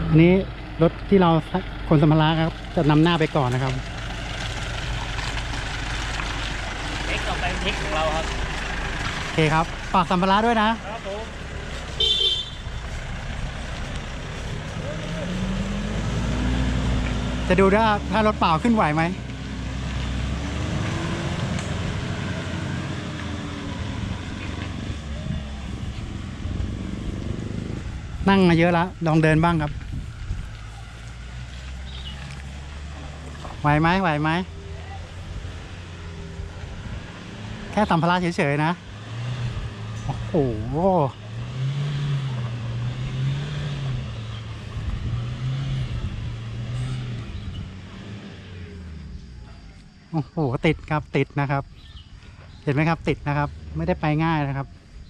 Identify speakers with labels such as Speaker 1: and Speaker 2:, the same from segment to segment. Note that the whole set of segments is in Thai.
Speaker 1: อันนี้รถที่เราขนสัมภาระครับจะนำหน้าไปก่อนนะครับ
Speaker 2: เทคต่อไปเทคของเราครับ
Speaker 1: โอเคครับฝากสัมภาระด้วยนะครับ
Speaker 2: ผม
Speaker 1: จะดูว่าถ้ารถเปล่าขึ้นไหวไหมนั่งมาเยอะแล้วลองเดินบ้างครับไหวไหมไหวไหมแค่สัมภาระเฉยๆนะโอ้โหโอ้โหติดครับติดนะครับเห็นไหมครับติดนะครับไม่ได้ไปง่ายนะครับ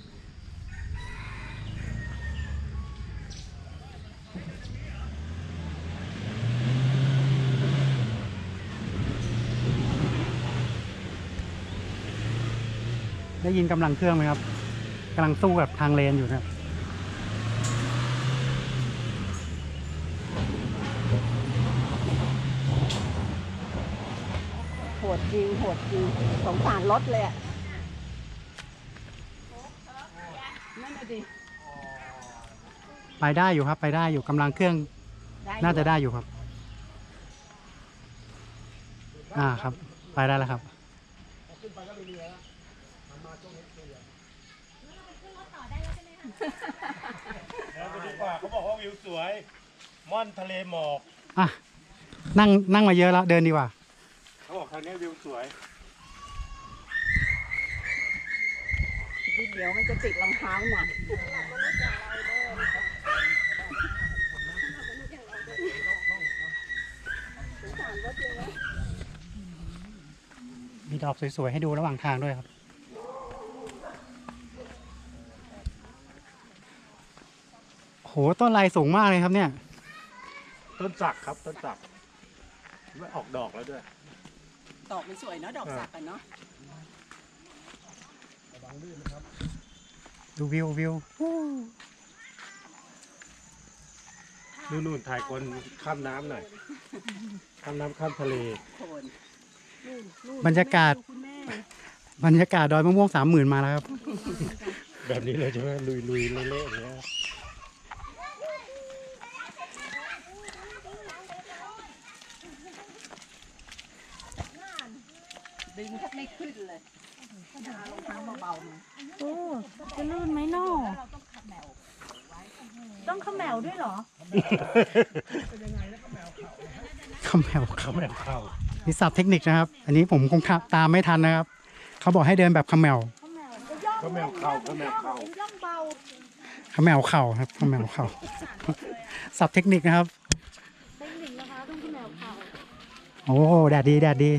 Speaker 1: ได้ยินกำลังเครื่องไหมครับกำลังสู้กับทางเลนอยู่นะครับ
Speaker 3: โหดจริงโหดจริงสงสารรถเลยอ่ะนั่นน่ะดิ
Speaker 1: ไปได้อยู่ครับไปได้อยู่กำลังเครื่องน่าจะได้อยู่ครับครับไปได้แล้วครับ
Speaker 2: แล้วไปดีกว่าเขาบอกว่าวิวสวยม่อนทะเลหมอก
Speaker 1: นั่งมาเยอะแล้วเดินดีกว่า
Speaker 2: เขาบอกทางนี้วิวสวย
Speaker 3: เดี๋ยวมันจะติดรองเท้าหนัก
Speaker 1: มีดอกสวยๆให้ดูระหว่างทางด้วยครับโหต้นลายสูงมากเลยครับเนี่ย
Speaker 2: ต้นสักครับต้นสักไม่ออกดอกแล้วด้วย
Speaker 3: ดอกมันสวยเนาะดอกสักกันเนาะ
Speaker 1: ดูวิว
Speaker 2: นู่นถ่ายคนข้ามน้ำหน่อยข้ามน้ำข้ามทะเล
Speaker 1: บรรยากาศดอยมะม่วง30,000มาแล้วครับ
Speaker 2: แบบนี้เลยใช่ไหมลุยเละๆอย่างเงี้ย
Speaker 3: ดึงแทบไม่ขึ้นเลยจะเอารองเท้าเบาๆมา
Speaker 4: โอ้จะลื่นไหมน้อต้องขมแมวด้วยเหรอ
Speaker 1: ขมแมวเข้านี่ศัพท์เทคนิคนะครับอันนี้ผมคงตามไม่ทันนะครับเขาบอกให้เดินแบบขมแมว
Speaker 2: ขมแมวเข่า
Speaker 4: ย่องเบา
Speaker 1: ขมแมวเข่าครับขมแมวเข่าศัพท์เทคนิคนะครับ
Speaker 4: เทคนิคนะคะต้องขมแมวเข่า
Speaker 1: โอ้แดดดี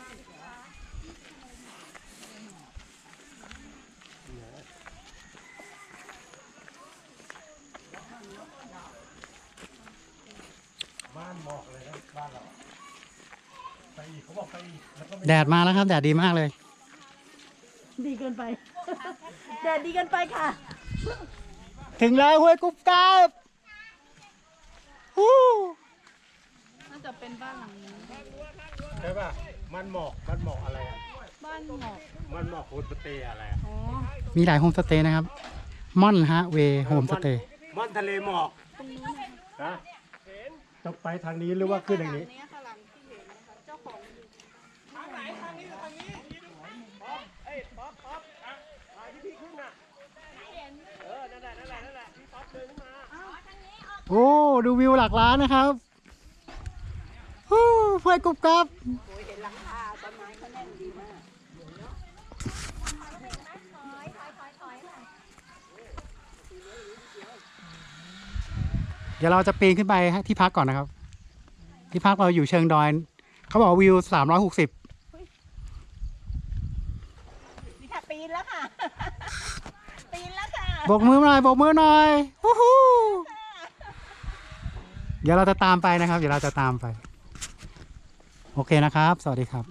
Speaker 1: แดดมาแล้วครับแดดดีมากเลย
Speaker 4: ดีเกินไปแดดดีเกินไปค่ะ
Speaker 1: ถึงแล้วห้วยกุ๊บกับ
Speaker 4: น่าจะเป็นบ้านหลังนี้
Speaker 2: ใช่ป่ะมันหมอกอะไรอ่ะ
Speaker 4: บ้านหมอก
Speaker 2: มันหมอกโฮมสเตย์อะไร
Speaker 1: มีหลายโฮมสเตย์นะครับม่อนฮะเวโฮมสเตย์
Speaker 2: ม่อนทะเลหมอกนะต้องไปทางนี้หรือว่าขึ้นทางนี้
Speaker 1: โอ้ดูวิวหลักล้านนะครับห้วยกุ๊บกับ
Speaker 3: เห็นหลังคาต้นไม้เขาแน่นดีมาก
Speaker 1: เดี๋ยวเราจะปีนขึ้นไปที่พักก่อนนะครับที่พักเราอยู่เชิงดอยเขาบอกวิว360
Speaker 3: นี่ค่ะปีนแล้วค่ะปีนแล้วค่ะ
Speaker 1: โบกมือหน่อยฮู้ฮู้เดี๋ยวเราจะตามไปนะครับโอเคนะครับสวัสดีครับ